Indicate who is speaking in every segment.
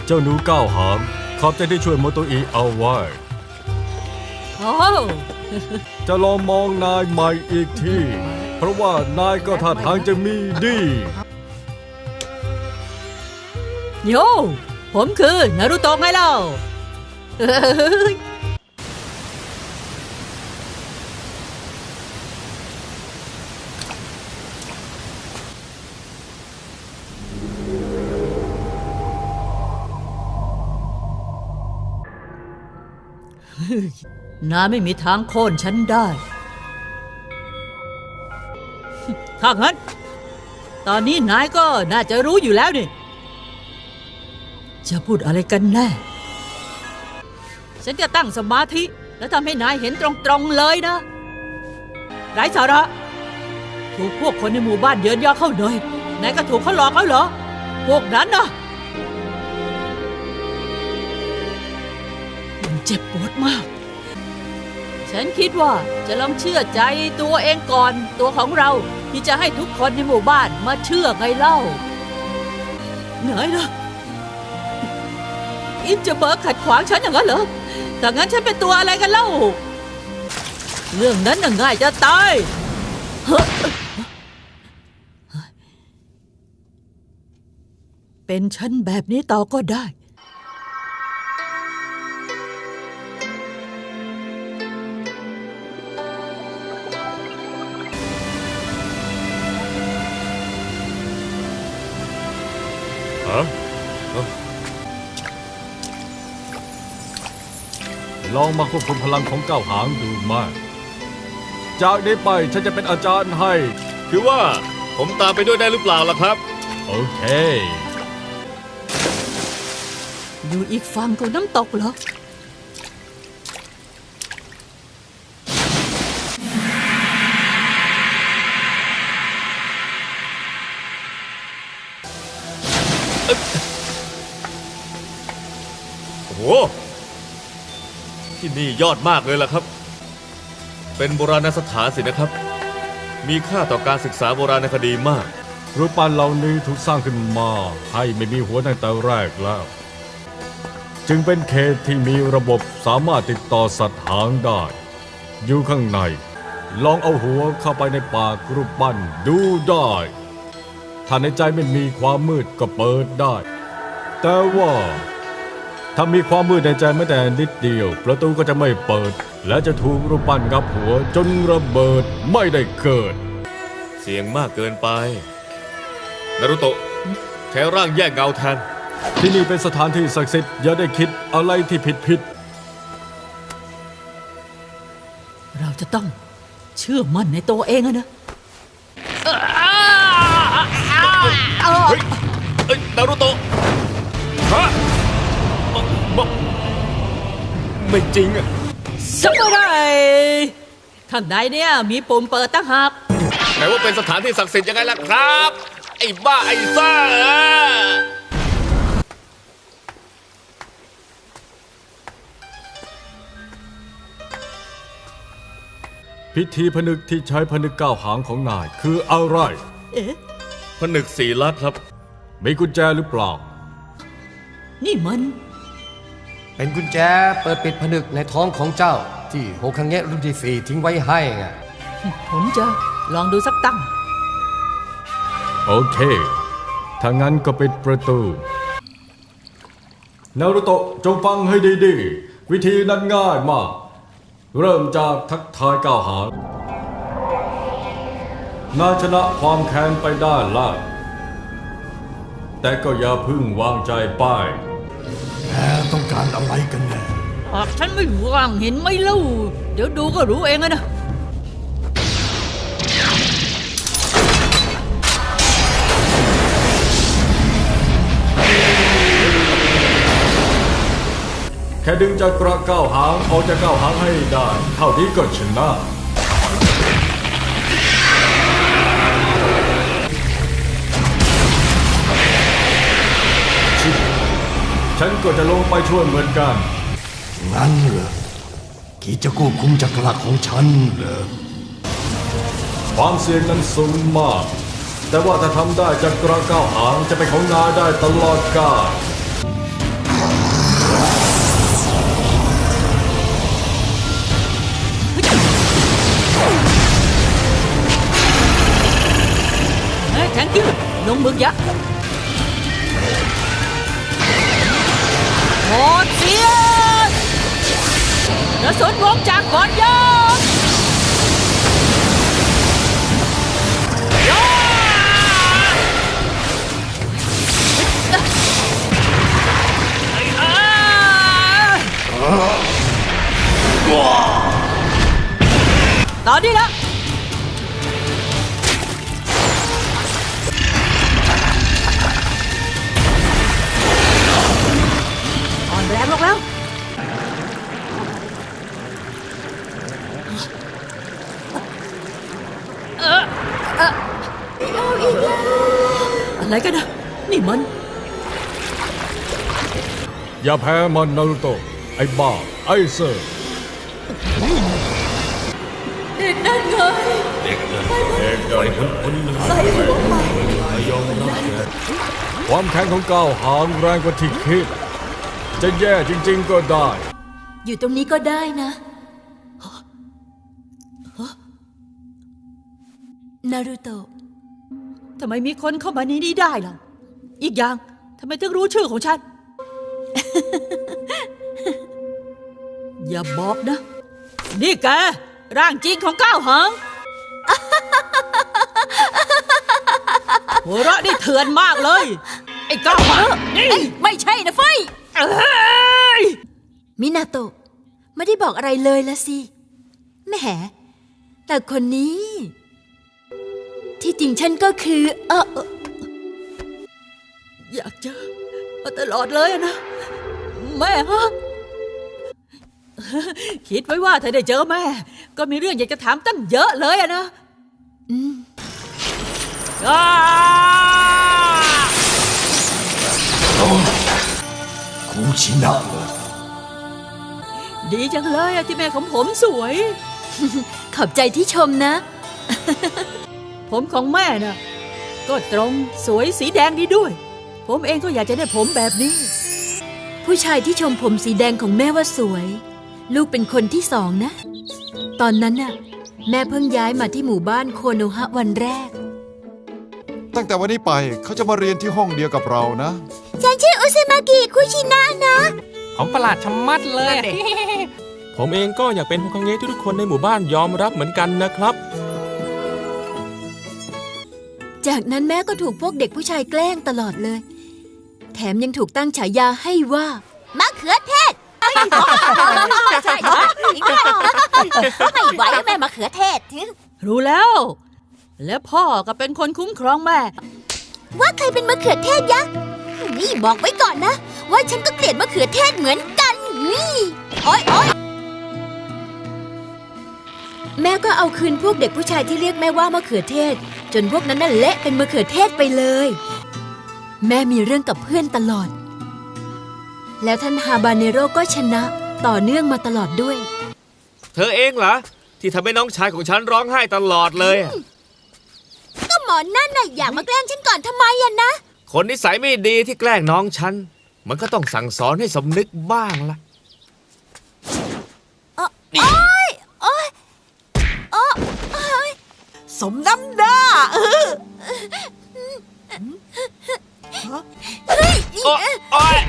Speaker 1: เจ้าหนูก้าวหางขอบใจที่ช่วยโมโตอิเอาไว้
Speaker 2: โอ้
Speaker 1: จะลองมองนายใหม่อีกทีเพราะว่านายก็ท่าทางจะมีดี
Speaker 2: โยผมคือนารูโตะไงเล่านายไม่มีทางโค่นฉันได้ถ้างั้นตอนนี้นายก็น่าจะรู้อยู่แล้วนี่จะพูดอะไรกันแน่ฉันจะตั้งสมาธิแล้วทำให้นายเห็นตรงๆเลยนะไร้สาระถูกพวกคนในหมู่บ้านเยินยอเข้าเลยนายก็ถูกเขาหลอกแล้วเหรอพวกนั้นนะมันเจ็บปวดมากฉันคิดว่าจะลองเชื่อใจตัวเองก่อนตัวของเราที่จะให้ทุกคนในหมู่บ้านมาเชื่อไงเล่าไหนนะอินจะเบิกขัดขวางฉันอย่างนั้นเหรอแต่งั้นฉันเป็นตัวอะไรกันเล่าเรื่องนั้นน่ะง่ายจะตายเป็นฉันแบบนี้ต่อก็ได้
Speaker 1: ลองมาควบคุมพลังของก้าวหางดูมากจากนี้ไปฉันจะเป็นอาจารย์ให้
Speaker 3: คือว่าผมตามไปด้วยได้หรือเปล่าล่ะครับ
Speaker 1: โอเค
Speaker 2: อยู่อีกฝั่งของน้ำตกเหรอ
Speaker 3: โอ้โหที่นี่ยอดมากเลยล่ะครับเป็นโบราณสถานสินะครับมีค่าต่อการศึกษาโบราณคดีมาก
Speaker 1: รูปปั้นเหล่านี้ถูกสร้างขึ้นมาให้ไม่มีหัวตั้งแต่แรกแล้วจึงเป็นเขตที่มีระบบสามารถติดต่อสัตว์หางได้อยู่ข้างในลองเอาหัวเข้าไปในปากรูปปั้นดูได้ถ้าในใจไม่มีความมืดก็เปิดได้แต่ว่าถ้ามีความมืดในใจแม้แต่นิดเดียวประตูก็จะไม่เปิดและจะถูกรูปปั้นงับหัวจนระเบิดไม่ได้เกิด
Speaker 3: เสี่ยงมากเกินไปนารุโตะแค่ร่างแยกเงาแทน
Speaker 1: ที่นี่เป็นสถานที่ศักดิ์สิทธิ์อย่าได้คิดอะไรที่ผิด
Speaker 2: เราจะต้องเชื่อมั่นในตัวเองนะ
Speaker 3: เฮ้ยนารุโตะฮะไม่จริงอะ
Speaker 2: สักอะไรข้างในเนี่ยมีปุ่มเปิดตั้งหาก
Speaker 3: แต่ว่าเป็นสถานที่ศักดิ์สิทธิ์ยังไงล่ะครับไอ้บ้าไอ้ซ่า
Speaker 1: พิธีผนึกที่ใช้ผนึกก้าวหางของนายคืออะไร
Speaker 3: ผนึกสีลัดครับ
Speaker 1: มีกุญแจหรือเปล่า
Speaker 2: นี่มัน
Speaker 4: เป็นกุญแจเปิดปิดผนึกในท้องของเจ้าที่โฮคังเงะรุ่นที่4ทิ้งไว้ให้ไง
Speaker 2: ผมจะลองดูสักตั้ง
Speaker 1: โอเคถ้างั้นก็ปิดประตูนารุโตะจงฟังให้ดีๆวิธีนั้นง่ายมากเริ่มจากทักทายก้าวหางนายชนะความแค้นไปได้แล้วแต่ก็อย่าพึ่งวางใจไป
Speaker 4: ต้องการอะไรกันแน่
Speaker 2: หากฉันไม่ว่างเห็นไหมเล่าเดี๋ยวดูก็รู้เองนะ
Speaker 1: แค่ดึงจากกระก้าวหางออกจากก้าวหางให้ได้เท่านี้ก็ชนะฉันก็จะลงไปช่วยเหมือนกัน
Speaker 4: งั้นเหรอคิดจะควบคุมจักรวรรดิของฉันเหรอ
Speaker 1: ความเสี่ยงนั้นสูงมากแต่ว่าถ้าทำได้จักรก้าวหางจะเป็นของนายได้ตลอดกาล
Speaker 2: งมึกยักษ์โหดเสียนกระสุนวงจากก่อนยกตอนนี้ละอ่อนแรงลงแล้วอะไรกันนะนี่มัน
Speaker 1: อย่าแพ้มันนารูโตะไอ้บ้าไอ้เซอร์
Speaker 2: เด็กนั่นไงใส่หัวมา
Speaker 1: ความแข็งของก้าวหางแรงกว่าที่คิด จะแย่จริงๆก็ได้
Speaker 5: อยู่ตรงนี้ก็ได้นะนารูโตะ
Speaker 2: ทำไมมีคนเข้ามาในนี้ได้ล่ะอีกอย่างทำไมถึงรู้ชื่อของฉัน อย่าบอกนะ นี่แกร่างจริงของก้าวหาง หัวเราะนี่เถื่อนมากเลย ไอ้ก้าวหางนี่
Speaker 5: ไม่ใช่นะเฟย
Speaker 2: เอ้ย
Speaker 5: มินาโตะไม่ได้บอกอะไรเลยละสิแหมแต่คนนี้ ที่จริงฉันก็คือ
Speaker 2: อยากเจอมาตลอดเลยนะ แม่ฮะ คิดไว้ว่าถ้าได้เจอแม่ ก็มีเรื่องอยากจะถามตั้งเยอะเลยนะ
Speaker 4: คูชินะเลย
Speaker 2: ดีจังเลยที่แม่ของผมสวย
Speaker 5: ขอบใจที่ชมนะ
Speaker 2: ผมของแม่น่ะก็ตรงสวยสีแดงดีด้วย ผมเองก็อยากจะได้ผมแบบนี้
Speaker 5: ผู้ชายที่ชมผมสีแดงของแม่ว่าสวย ลูกเป็นคนที่สองนะ ตอนนั้นน่ะแม่เพิ่งย้ายมาที่หมู่บ้านโคโนฮะวันแรก
Speaker 6: ตั้งแต่วันนี้ไปเขาจะมาเรียนที่ห้องเดียวกับเรานะ
Speaker 5: ฉันชื่ออุซึมากิคุชินะนะ
Speaker 7: ของประหลาดชะมัดเลย ผมเองก็อยากเป็นโฮคังเงะที่ทุกคนในหมู่บ้านยอมรับเหมือนกันนะครับ
Speaker 5: จากนั้นแม่ก็ถูกพวกเด็กผู้ชายแกล้งตลอดเลย แถมยังถูกตั้งฉายาให้ว่ามะเขือเทศใช่ไม่ไหวแม่มะเขือเทศ
Speaker 2: รู้แล้ว และพ่อก็เป็นคนคุ้มครองแม่
Speaker 5: ว่าใครเป็นมะเขือเทศยักษ์นี่บอกไว้ก่อนนะ ว่าฉันก็เกลียดมะเขือเทศเหมือนกันนี่โอ๊ยแม่ก็เอาคืนพวกเด็กผู้ชายที่เรียกแม่ว่ามะเขือเทศ จนพวกนั้นน่ะเละเป็นมะเขือเทศไปเลย แม่มีเรื่องกับเพื่อนตลอด แล้วท่านฮาบาเนโร่ก็ชนะต่อเนื่องมาตลอดด้วย
Speaker 3: เธอเองเหรอที่ทำให้น้องชายของฉันร้องไห้ตลอดเลยอะ
Speaker 5: ก็หมอนั่นน่ะอยากมาแกล้งฉันก่อนทำไมอะนะ
Speaker 3: คนนิสัยไม่ดีที่แกล้งน้องฉันมันก็ต้องสั่งสอนให้สำนึกบ้างล่ะ
Speaker 2: สมน้ำหน้า
Speaker 3: โอ๊ย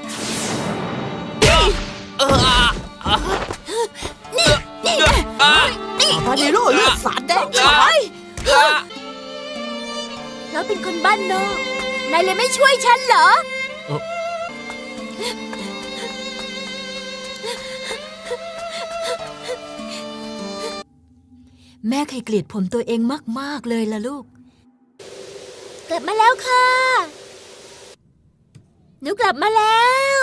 Speaker 2: พาเนโร่เลือดสาดแดงฉาย
Speaker 5: แล้วเป็นคนบ้านนอกนายเลยไม่ช่วยฉันเหรอ แม่เคยเกลียดผมตัวเองมากๆเลยล่ะลูก กลับมาแล้วค่ะ หนูกลับมาแล้ว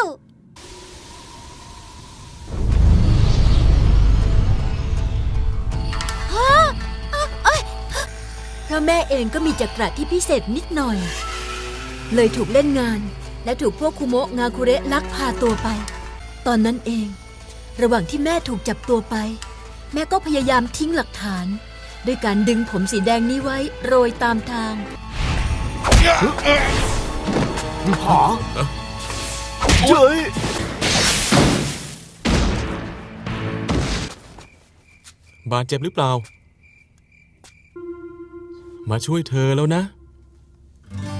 Speaker 5: เพราะแม่เองก็มีจักระที่พิเศษนิดหน่อย เลยถูกเล่นงานและถูกพวกคุโมะงาคุเระลักพาตัวไป ตอนนั้นเอง ระหว่างที่แม่ถูกจับตัวไป แม่ก็พยายามทิ้งหลักฐาน ด้วยการดึงผมสีแดงนี้ไว้โรยตามทาง
Speaker 6: เฮ้ย
Speaker 7: บาดเจ็บหรือเปล่า มาช่วยเธอแล้วนะ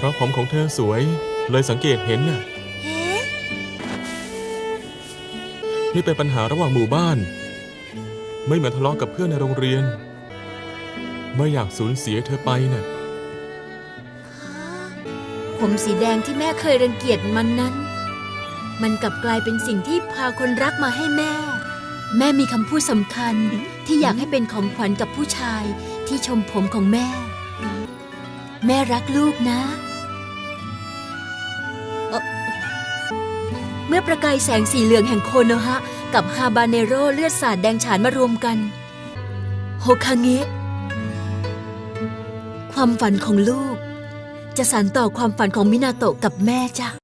Speaker 7: ราะผมของเธอสวยเลยสังเกตเห็นน่ะ
Speaker 5: เฮ้
Speaker 7: นี่เป็นปัญหาระหว่างหมู่บ้าน ไม่เหมือนทะเลาะกับเพื่อนในโรงเรียน ไม่อยากสูญเสียเธอไปน่ะ
Speaker 5: ผมสีแดงที่แม่เคยรังเกียจมันนั้น มันกลับกลายเป็นสิ่งที่พาคนรักมาให้แม่ แม่มีคำพูดสำคัญที่อยากให้เป็นของขวัญกับผู้ชายที่ชมผมของแม่ แม่รักลูกนะเมื่อประกายแสงสีเหลืองแห่งโคโนฮะกับฮาบาเนโร่เลือดสาดแดงฉานมารวมกันโฮคาเงะความฝันของลูกจะสานต่อความฝันของมินาโตะกับแม่จ้ะ